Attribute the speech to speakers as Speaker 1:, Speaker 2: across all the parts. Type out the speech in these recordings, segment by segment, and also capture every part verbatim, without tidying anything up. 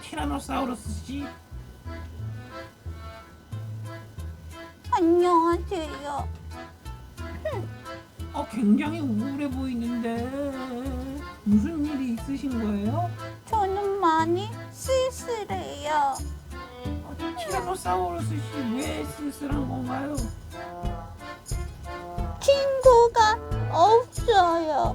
Speaker 1: 티라노사우루스 씨.
Speaker 2: 안녕하세요.
Speaker 1: 어, 굉장히 우울해 보이는데 무슨 일이 있으신 거예요?
Speaker 2: 저는 많이 쓸쓸해요.
Speaker 1: 어, 티라노사우루스 씨 왜 쓸쓸한 건가요?
Speaker 2: 친구가 없어요.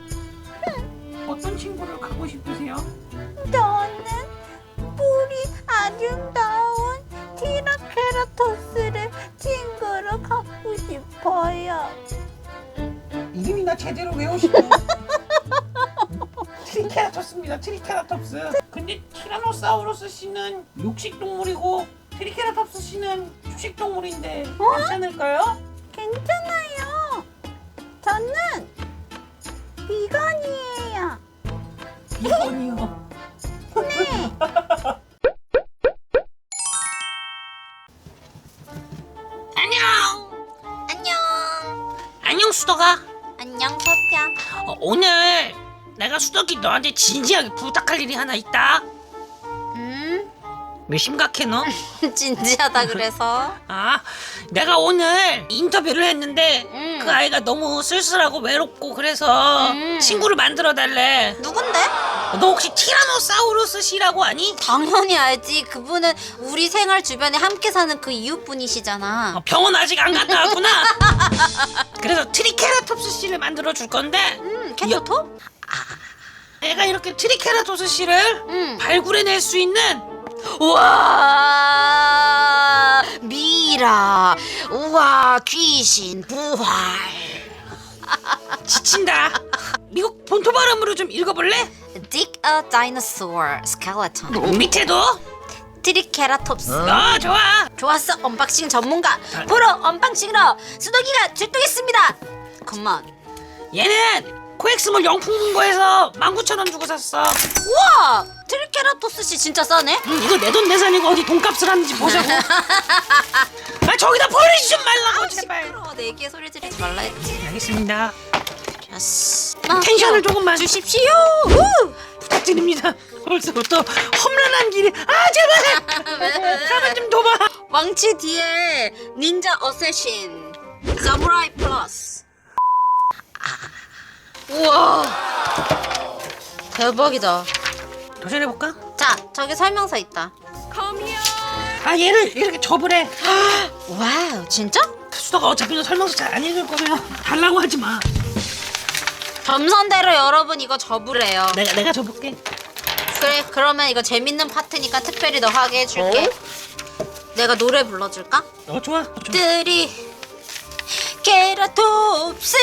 Speaker 1: 어떤 친구를 갖고 싶으세요?
Speaker 2: 저는 뿔이 아름다운 티라케라토스를 친구로 갖고 싶어요.
Speaker 1: 이름이나 제대로 외우시고. 트리케라톱스입니다. 트리케라톱스. 근데 티라노사우루스 씨는 육식 동물이고 트리케라톱스 씨는 초식 동물인데 괜찮을까요?
Speaker 2: 괜찮아요. 저는 비건이에요.
Speaker 1: 이건이요.
Speaker 2: 네.
Speaker 3: 안녕.
Speaker 2: 안녕.
Speaker 3: 안녕 수덕아.
Speaker 2: 안녕 서피야.
Speaker 3: 어, 오늘 내가 수덕이 너한테 진지하게 부탁할 일이 하나 있다.
Speaker 2: 음?
Speaker 3: 왜 심각해 너?
Speaker 2: 진지하다 그래서.
Speaker 3: 아, 내가 오늘 인터뷰를 했는데
Speaker 2: 음.
Speaker 3: 그 아이가 너무 쓸쓸하고 외롭고 그래서
Speaker 2: 음.
Speaker 3: 친구를 만들어 달래.
Speaker 2: 누군데?
Speaker 3: 너 혹시 티라노사우루스 씨라고 아니?
Speaker 2: 당연히 알지. 그분은 우리 생활 주변에 함께 사는 그 이웃분이시잖아.
Speaker 3: 어, 병원 아직 안 갔다 왔구나. 그래서 트리케라톱스 씨를 만들어 줄 건데
Speaker 2: 음, 캔터톱?
Speaker 3: 내가 이렇게 트리케라톱스 씨를
Speaker 2: 음.
Speaker 3: 발굴해낼 수 있는
Speaker 2: 우와, 미라. 우와, 귀신 부활.
Speaker 3: 지친다. 미국 본토 발음으로 좀 읽어볼래?
Speaker 2: Dig a dinosaur skeleton.
Speaker 3: 밑에도?
Speaker 2: 트리케라톱스.
Speaker 3: 어, 좋아.
Speaker 2: 좋았어, 언박싱 전문가. 프로 언박싱으로 수덕이가 출동했습니다. 컴온.
Speaker 3: 얘는 코엑스몰 영풍문고에서 만 구천 원 주고 샀어.
Speaker 2: 우와, 트리케라톱스 씨 진짜 싸네.
Speaker 3: 음, 이거 내 돈 내산이고 어디 돈값을 하는지 보자고. 아, 저기다 버리지 좀 말라고 제발.
Speaker 2: 시끄러워, 내게 소리 지르지 말라 했지.
Speaker 3: 알겠습니다.
Speaker 2: 좋았어.
Speaker 3: 텐션을 조금만
Speaker 2: 주십시오. 우!
Speaker 3: 부탁드립니다. 벌써부터 험난한 길이. 아, 제발. 가만 좀 둬봐.
Speaker 2: 왕치 뒤에 닌자 어쌔신 사무라이 플러스. 우와, 대박이다.
Speaker 3: 도전해볼까?
Speaker 2: 자, 저기 설명서 있다.
Speaker 3: 아, 얘를 이렇게 접으래.
Speaker 2: 와우, 진짜?
Speaker 3: 수다가 어차피 너 설명서 잘 안 읽을 거면 달라고 하지 마.
Speaker 2: 점선대로 여러분 이거 접으래요.
Speaker 3: 내가 내가 접을게.
Speaker 2: 그래, 그러면 이거 재밌는 파트니까 특별히 너 하게 해줄게. 내가 노래 불러줄까?
Speaker 3: 어, 좋아. 좋아.
Speaker 2: 트리 케라톱스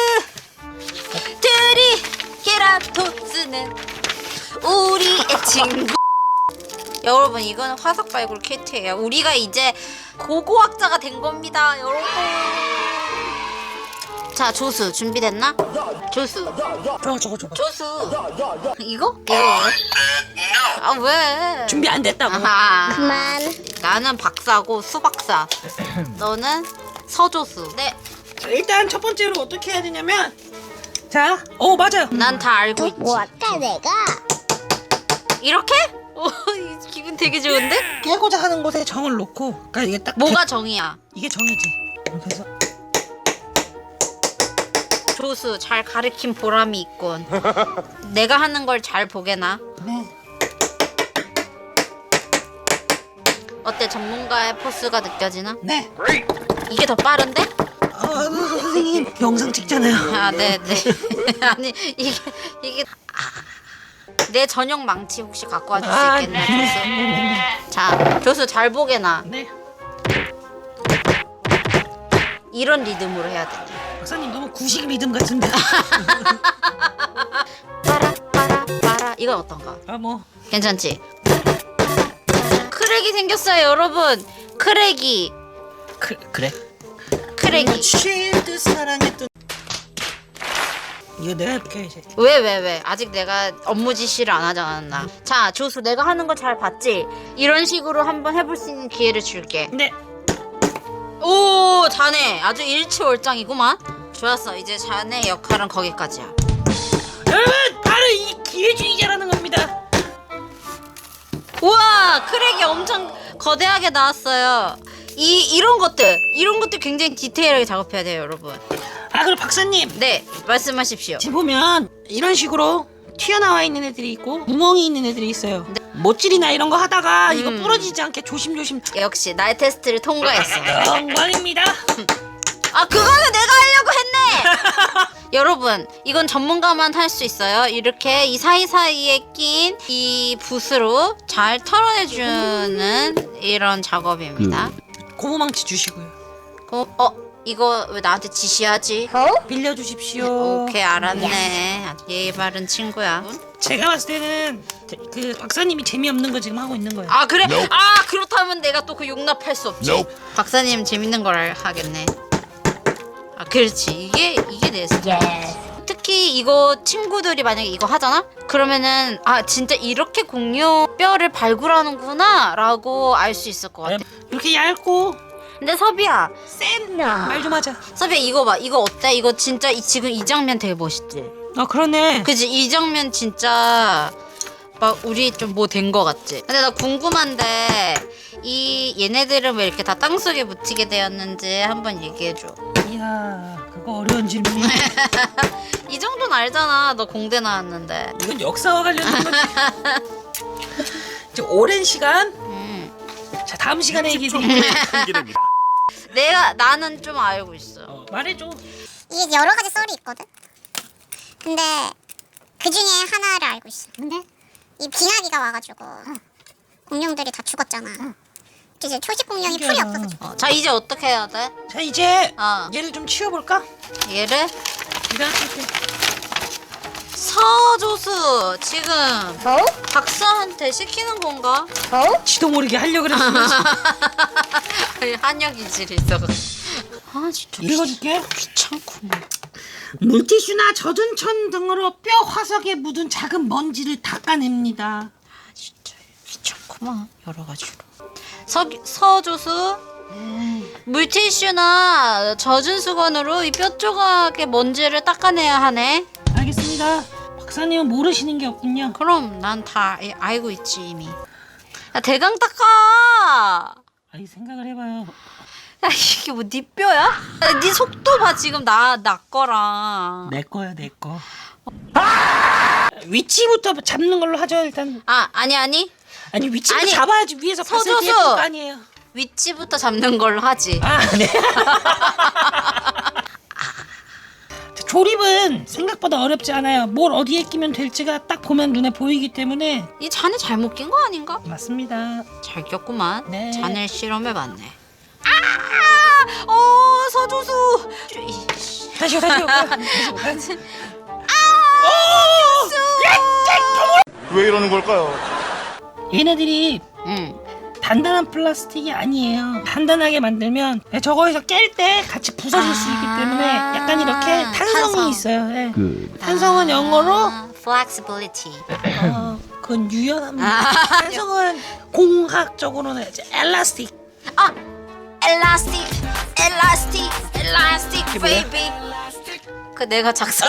Speaker 2: 트리 케라톱스는 우리의 친구. 여러분, 이거는 화석 발굴 키트예요. 우리가 이제 고고학자가 된 겁니다, 여러분. 자, 조수 준비됐나? 조수
Speaker 3: 좋아, 좋아, 좋아.
Speaker 2: 조수 이거? 이거 왜? 아, 왜?
Speaker 3: 준비 안 됐다고.
Speaker 2: 아하. 그만. 나는 박사고 수박사. 너는 서조수. 네,
Speaker 3: 자, 일단 첫 번째로 어떻게 해야 되냐면, 자, 어 맞아요.
Speaker 2: 난 다 알고 있지.
Speaker 4: 뭐 아까 내가
Speaker 2: 이렇게? 오, 이 기분 되게 좋은데?
Speaker 3: 깨고자 하는 곳에 정을 놓고, 그러니까 이게 딱
Speaker 2: 뭐가 정이야?
Speaker 3: 이게 정이지. 그래서
Speaker 2: 조수 잘 가르친 보람이 있군. 내가 하는 걸 잘 보게나.
Speaker 3: 네.
Speaker 2: 어때, 전문가의 포스가 느껴지나?
Speaker 3: 네.
Speaker 2: 이게 더 빠른데?
Speaker 3: 어, 선생님 영상 찍잖아요.
Speaker 2: 아, 네, 네. 아니, 이게 이게 내 전용 망치 혹시 갖고 와줄 수
Speaker 3: 아,
Speaker 2: 있겠나, 조수? 자, 조수 잘 보게나.
Speaker 3: 네.
Speaker 2: 이런 리듬으로 해야 돼.
Speaker 3: 박사님 너무 구식 리듬 같은데.
Speaker 2: 빠라 빠라 빠라. 이건 어떤가?
Speaker 3: 아, 뭐.
Speaker 2: 괜찮지? 크랙이 생겼어요, 여러분. 크랙이
Speaker 3: 그, 그래.
Speaker 2: 크랙이.
Speaker 3: 쉴드 사랑했던. 이거 내가 해볼게 이제.
Speaker 2: 왜 왜 왜? 아직 내가 업무 지시를 안 하지 않았나? 자, 조수, 내가 하는 거 잘 봤지? 이런 식으로 한번 해볼 수 있는 기회를 줄게.
Speaker 3: 네.
Speaker 2: 오, 자네 아주 일치월장이구만. 좋았어, 이제 자네 역할은 거기까지야.
Speaker 3: 여러분, 바로 이 기회주의자라는 겁니다.
Speaker 2: 우와, 크랙이 엄청 거대하게 나왔어요. 이 이런 것들 이런 것들 굉장히 디테일하게 작업해야 돼요, 여러분.
Speaker 3: 아 그리고 박사님,
Speaker 2: 네, 말씀하십시오.
Speaker 3: 지금 보면 이런 식으로 튀어나와 있는 애들이 있고 구멍이 있는 애들이 있어요. 못질이나 이런 거 하다가 이거
Speaker 2: 음.
Speaker 3: 부러지지 않게 조심조심.
Speaker 2: 역시 나의 테스트를 통과했어.
Speaker 3: 영광입니다.
Speaker 2: 아, 그거는 내가 하려고 했네. 여러분, 이건 전문가만 할 수 있어요. 이렇게 이 사이사이에 낀 이 붓으로 잘 털어내주는 이런 작업입니다.
Speaker 3: 고무망치 주시고요.
Speaker 2: 그, 어, 이거 왜 나한테 지시하지?
Speaker 3: 빌려주십시오.
Speaker 2: 오케이, 알았네. 예의 바른 친구야.
Speaker 3: 제가 봤을 때는 그 박사님이 재미없는 거 지금 하고 있는 거예요.
Speaker 2: 아, 그래? 아, 그렇다면 내가 또 그 용납할 수 없지. 박사님 재밌는 걸 하겠네. 아, 그렇지. 이게 이게 내 스타일. 특히 이거 친구들이 만약에 이거 하잖아? 그러면은 아, 진짜 이렇게 공룡 뼈를 발굴하는구나 라고 알 수 있을 것 같아.
Speaker 3: 이렇게 얇고
Speaker 2: 근데 섭이야,
Speaker 3: 말 좀 하자.
Speaker 2: 섭이야, 이거 봐. 이거 어때? 이거 진짜 이, 지금 이 장면 되게 멋있지?
Speaker 3: 아 그러네.
Speaker 2: 그치? 이 장면 진짜 막 우리 좀 뭐 된 거 같지? 근데 나 궁금한데 이 얘네들은 왜 이렇게 다 땅속에 묻히게 되었는지 한번 얘기해줘.
Speaker 3: 이야 그거 어려운 질문이야.
Speaker 2: 이 정도는 알잖아. 너 공대 나왔는데.
Speaker 3: 이건 역사와 관련된 거지. 이제 오랜 시간.
Speaker 2: 음.
Speaker 3: 자 다음 시간에 얘기해 드릴게요.
Speaker 2: 내가 나는 좀 알고 있어.
Speaker 3: 어, 말해줘.
Speaker 4: 이게 여러 가지 썰이 있거든. 근데 그 중에 하나를 알고 있어. 근데 이 빙하기가 와가지고 공룡들이 다 죽었잖아. 이제 초식 공룡이 풀이
Speaker 3: 신기하다.
Speaker 4: 없어서 죽어.
Speaker 2: 어, 자, 이제 어떻게 해야 돼?
Speaker 3: 자 이제
Speaker 2: 어.
Speaker 3: 얘를 좀 치워볼까?
Speaker 2: 얘를
Speaker 3: 이렇게.
Speaker 2: 서조수 지금 박사한테 시키는 건가?
Speaker 3: 지도 모르게 하려고 그랬으면서.
Speaker 2: 한약 이질이 있어가지고. 아, 진짜
Speaker 3: 읽어줄게.
Speaker 2: 귀찮구만.
Speaker 3: 물티슈나 젖은 천 등으로 뼈 화석에 묻은 작은 먼지를 닦아냅니다.
Speaker 2: 진짜 귀찮구만, 여러 가지로. 서 서조수 물티슈나 젖은 수건으로 이 뼈 조각의 먼지를 닦아내야 하네.
Speaker 3: 알겠습니다. 박사님은 모르시는 게 없군요.
Speaker 2: 그럼 난 다 알고 있지 이미. 야, 대강 닦아.
Speaker 3: 아니 생각을 해봐요.
Speaker 2: 야, 이게 뭐 네 뼈야? 야, 네 속도 봐 지금 나 나 거랑.
Speaker 3: 내 거야 내 거. 아! 위치부터 잡는 걸로 하죠 일단.
Speaker 2: 아, 아니 아니.
Speaker 3: 아니 위치부터
Speaker 2: 아니,
Speaker 3: 잡아야지 위에서 봤을 때
Speaker 2: 서조수!
Speaker 3: 예쁠 거 아니에요.
Speaker 2: 위치부터 잡는 걸로 하지.
Speaker 3: 아 네. 자, 조립은 생각보다 어렵지 않아요. 뭘 어디에 끼면 될지가 딱 보면 눈에 보이기 때문에.
Speaker 2: 이 잔에 잘못 낀 거 아닌가?
Speaker 3: 맞습니다.
Speaker 2: 잘 꼈구만.
Speaker 3: 네.
Speaker 2: 잔을 실험해봤네. 아! 어, 서조수. 이씨.
Speaker 3: 다시요 다시요. 다시요.
Speaker 5: 왜 이러는 걸까요?
Speaker 3: 얘네들이
Speaker 2: 응.
Speaker 3: 단단한 플라스틱이 아니에요. 단단하게 만들면 저거에서 깰 때 같이 부서질 수 있기 때문에 약간 이렇게 탄성이
Speaker 2: 탄성.
Speaker 3: 있어요. 네. 탄성은 영어로
Speaker 2: 아, flexibility.
Speaker 3: 어, 그건 유연합니다. 탄성은 공학적으로는 이제 엘라스틱.
Speaker 2: 아, elastic, elastic, elastic,
Speaker 3: 뭐야?
Speaker 2: baby. 그 내가 작사.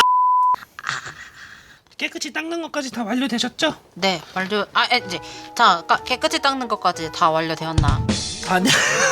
Speaker 3: 깨끗이 닦는 것까지 다 완료되셨죠?
Speaker 2: 네, 완료. 아, 에, 이제 자, 까- 깨끗이 닦는 것까지 다 완료되었나?
Speaker 3: 아니.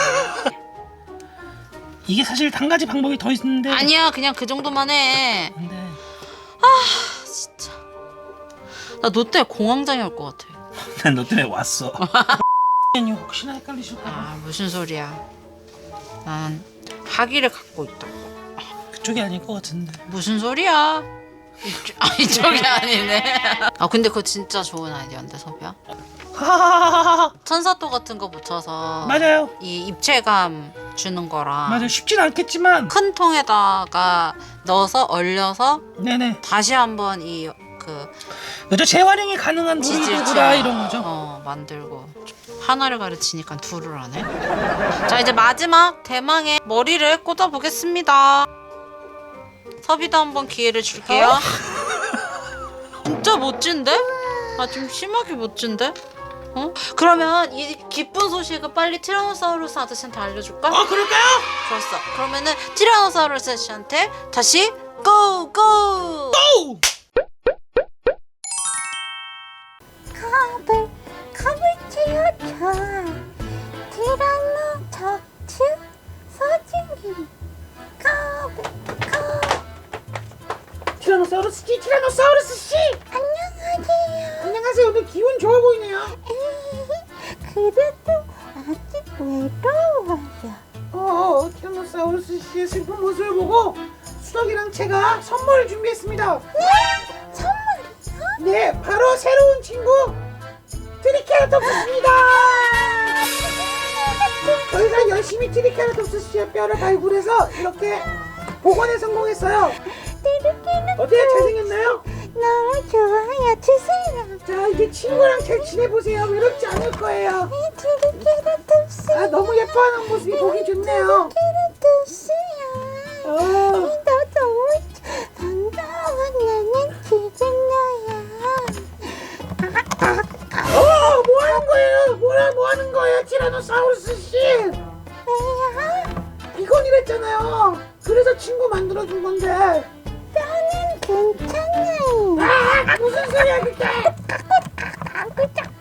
Speaker 3: 이게 사실 한 가지 방법이 더 있는데.
Speaker 2: 아니야, 그냥 그 정도만 해.
Speaker 3: 근데
Speaker 2: 진짜. 나 너 때문에 공황장애 올 것 같아.
Speaker 3: 난 너 때문에 왔어. 아니 혹시나 헷갈리실까 봐.
Speaker 2: 아, 무슨 소리야? 난 학위를 갖고 있다.
Speaker 3: 그쪽이 아닐 것 같은데.
Speaker 2: 무슨 소리야? 이쪽, 아, 이쪽이 아니네. 아, 근데 그거 진짜 좋은 아이디어인데, 섭이야?
Speaker 3: 하하하하.
Speaker 2: 천사도 같은 거 붙여서
Speaker 3: 맞아요.
Speaker 2: 이 입체감 주는 거랑
Speaker 3: 맞아요. 쉽진 않겠지만.
Speaker 2: 큰 통에다가 넣어서 얼려서
Speaker 3: 네네.
Speaker 2: 다시 한번 이 그
Speaker 3: 그죠? 재활용이 가능한 물도구라 이런 거죠.
Speaker 2: 어, 만들고 하나를 가르치니까 둘을 하네. 자, 이제 마지막 대망의 머리를 꽂아 보겠습니다. 섭이도 한번 기회를 줄게요. 진짜 멋진데? 아, 좀 심하게 멋진데? 어? 그러면 이 기쁜 소식을 빨리 티라노사우루스 아저씨한테 알려줄까?
Speaker 3: 어 그럴까요?
Speaker 2: 좋았어. 그러면은 티라노사우루스 아저씨한테 다시 고! 고!
Speaker 3: 오!
Speaker 4: 가볼게요. 저 티라노사우루스 서진이 가볼까.
Speaker 3: 티라노사우루스 씨, 티라노사우루스 씨.
Speaker 4: 안녕하세요.
Speaker 3: 안녕하세요. 오늘 기분 좋아 보이네요.
Speaker 4: 그래도 아직 외로워요.
Speaker 3: 어, 티라노사우루스 씨의 슬픈 모습을 보고 수덕이랑 제가 선물을 준비했습니다.
Speaker 4: 선물이요?
Speaker 3: 네, 바로 새로운 친구 트리케라톱스입니다. 저희가 열심히 트리케라톱스 씨의 뼈를 발굴해서 이렇게 복원에 성공했어요. 어때요? 잘생겼나요?
Speaker 4: 너무 좋아요. 주세요.
Speaker 3: 자, 이제 친구랑 잘 지내보세요. 외롭지 않을 거예요.
Speaker 4: 트리케라톱스.
Speaker 3: 아, 너무 예뻐하는 모습이 보기 좋네요.
Speaker 4: 트리케라톱스야.
Speaker 3: 어,
Speaker 4: 너 너무 반가워. 나는 지금 너야.
Speaker 3: 어, 뭐 하는 거예요? 뭐라 뭐 하는 거예요, 티라노사우루스 씨?
Speaker 4: 왜요?
Speaker 3: 비건이랬잖아요. 그래서 친구 만들어준 건데.
Speaker 4: 뼈는 괜찮아요.
Speaker 3: 아, 무슨 소리야 그게?
Speaker 4: 그저